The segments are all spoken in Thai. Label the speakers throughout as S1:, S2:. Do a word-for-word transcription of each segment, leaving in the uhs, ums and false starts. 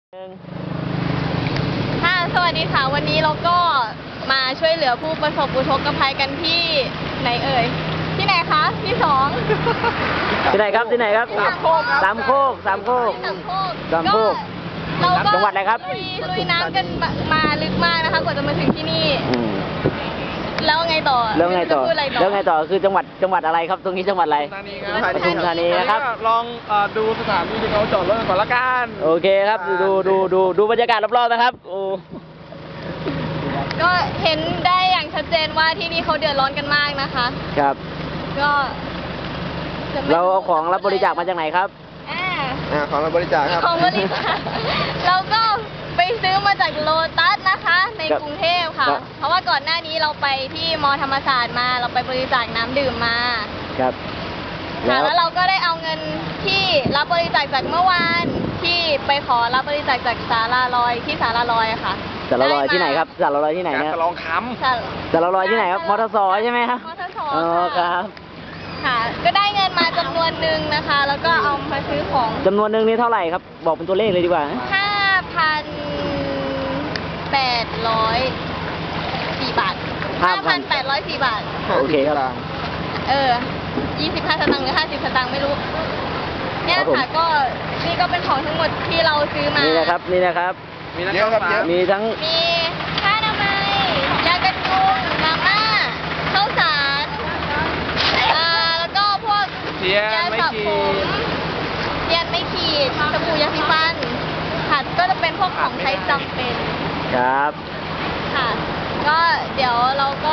S1: ค่ะสวัสดีค่ะวันนี้เราก็มาช่วยเหลือผู้ประสบอุทกภัยกันที่ไหนเอ่ยที่ไหนคะที่สอง
S2: ที่ไหนครับที่ไหนครับสามโคกสามโคกสามโคกสามโคก
S1: เราก็
S2: จังหวัดอะไรครับ
S1: ลุยน้ำกันมาลึกมากนะคะกว่าจะมาถึงที่นี่แล้วไงต่อ
S2: แล้วไงต่อแล้วไงต่อคือจังหวัดจังหวัดอะไรครับตรงนี้จังหวัดอะไรปทุมธานีนะครับ
S3: ลองดูสถานที่ที่เขาจอดรถก่อนละกัน
S2: โอเคครับดูดูดูดูบรรยากาศรอบๆนะครับโอ้
S1: ก็เห็นได้อย่างชัดเจนว่าที่นี่เขาเดือดร้อนกันมากนะคะ
S2: ครับ
S1: ก็
S2: เราเอาของรับบริจาคมาจากไหนครับ
S3: อ่าของรับบริจาคครับ
S1: ของบริจาคเราก็ไปซื้อมาจากโลตัสนะคะในกรุงเทพค่ะเพราะว่าก่อนหน้านี้เราไปที่มอธรรมศาสตร์มาเราไปบริจาคน้ำดื่มมา
S2: ครับ
S1: ค่ะแล้วเราก็ได้เอาเงินที่รับบริจาคจากเมื่อวานที่ไปขอรับบริจาคจากศาลาลอยที่ศาลาลอยอะค่ะ
S2: ศาลาลอยที่ไหนครับศาลาลอยที่ไหนนะ
S3: ศาลาลอยคำ
S2: ศาลาลอยที่ไหนครับมอเตอร์ซอยใช่ไหมครับ
S1: มอเตอร์ซอย
S2: อ๋อครับ
S1: ค่ะก็ได้เงินมาจำนวนหนึ่งนะคะแล้วก็เอามาซื้อของ
S2: จำนวนหนึ่งนี่เท่าไหร่ครับบอกเป็นตัวเลขเลยดีกว่า
S1: ห้าพันแปดร้อยสี่บาทห้าพันแปดร้อยสี่บาท
S2: โอเคครับ
S1: เออยี่สิบห้าสตางค์หรือห้าสิบสตางค์ไม่รู้เนี่ยค่ะก็นี่ก็เป็นของทั้งหมดที่เราซื้อมา
S2: นี่นะครับนี่นะครับ
S3: มีเยอะครับเยอะ
S2: มีทั้ง
S1: มีผ้าอนามัยยากันยุงมาม่าข้าวสารอ่าแล้วก็พวก
S3: ยาสระผม
S1: เทียนไม่ขีดสบู่ยาสีฟันค่ะก็จะเป็นพวกของใช้จำเป็น
S2: ครับ
S1: ค่ะก็เดี๋ยวเราก็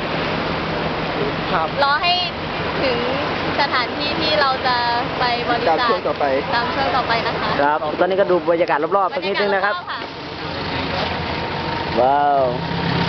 S1: รอให้ถึงสถานที่ที่เราจะไปบริจาคตามช่วงต่อไปตามช่วงต่อไปนะคะ
S2: ครับตอนนี้ก็ดูบรรยากาศรอบๆสักนิดนึงนะครับว้าว